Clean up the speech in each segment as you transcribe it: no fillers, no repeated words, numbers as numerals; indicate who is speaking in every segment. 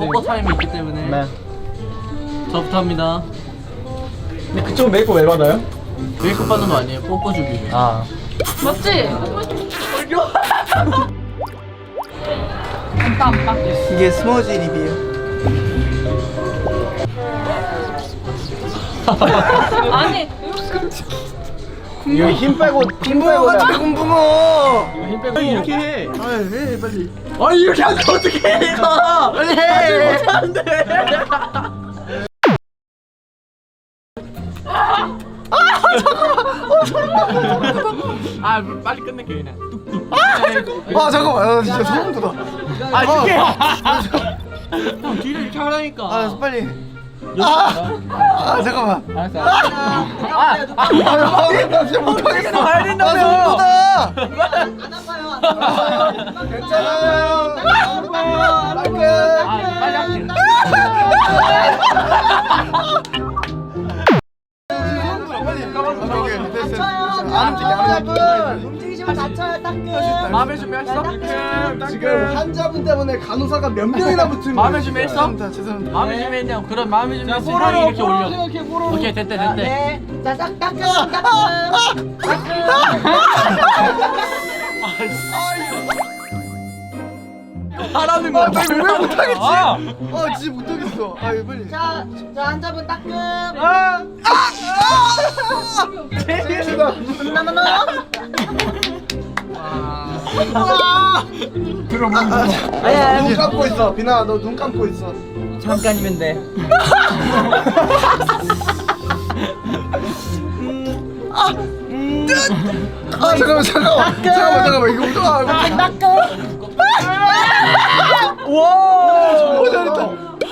Speaker 1: 뽀뽀 타임이 있기 때문에
Speaker 2: 네.
Speaker 1: 저부터 합니다.
Speaker 2: 근데 그쪽은 메이크업 왜 받아요?
Speaker 1: 메이크업 받는 거 아니에요? 뽀뽀 주기 위해.
Speaker 2: 아.
Speaker 3: 맞지?
Speaker 2: 이게 스머지 립이에요.
Speaker 3: 아니
Speaker 2: 이거 힘 빼고 같은데 군붕어.
Speaker 1: 이거 힘 빼고 이렇게 해.
Speaker 2: 해 빨리.
Speaker 1: 아니 이렇게 하면 어떻게 해 내가.
Speaker 2: 빨리 해.
Speaker 1: 안돼. 아 빨리 끝낼게 그냥.
Speaker 2: 와 잠깐만, 나 진짜 소름 돋아.
Speaker 1: 아 이렇게. 형 뒤를 이렇게 하라니까.
Speaker 2: 아 빨리. 잠깐만.
Speaker 1: 알았어.
Speaker 2: 나 진짜 못하겠어.
Speaker 1: 가야 된다며.
Speaker 2: 나 소름 돋아.
Speaker 4: 안 아파요.
Speaker 2: 괜찮아요.
Speaker 1: 빨리 할게.
Speaker 4: 움직이시면 다쳐요. 따끔.
Speaker 1: 마음의 준비했어?
Speaker 2: 지금 환자분 때문에 간호사가 몇 명이나 붙은 거예요.
Speaker 1: 마음의 준비했어?
Speaker 2: 죄송합니다.
Speaker 1: 마음의 준비했냐고. 그럼 마음의 준비했어. 형이 이렇게 올려. 오케이 됐대.
Speaker 4: 네. 자, 따끔. 따끔.
Speaker 1: 하라는 거.
Speaker 2: 나 이거 왜 못하겠지?
Speaker 1: 아.
Speaker 2: 진짜 못하겠어. 이거 빨리.
Speaker 4: 자, 환자분 따끔.
Speaker 2: 제이다.
Speaker 4: 아니야.
Speaker 2: 눈 감고 있어. 비나, 너 눈 감고 있어.
Speaker 4: 잠깐이면 돼.
Speaker 2: 잠깐만. 이거 어떡하?
Speaker 4: 따끔.
Speaker 2: 와, 잘했다.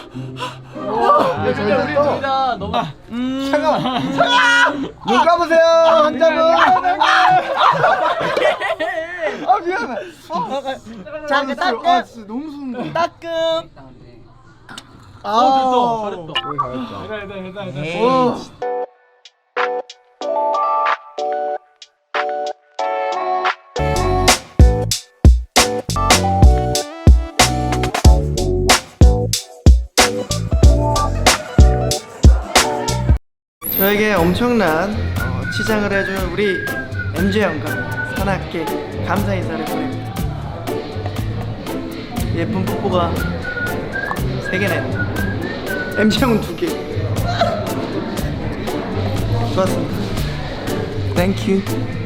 Speaker 1: 야, 근데 우리 둘 다 너무.
Speaker 2: 잠깐만. 눈 감으세요, 환자분. 미안해.
Speaker 4: 자, 그 따끔.
Speaker 2: 진짜 너무 소름.
Speaker 4: 따끔.
Speaker 1: 잘했다.
Speaker 2: 와. 저에게 엄청난 치장을 해준 우리 MJ 형과 산악계 감사 인사를 보냅니다. 예쁜 뽀뽀가 3개네. MJ 형은 2개. 좋았습니다. Thank you.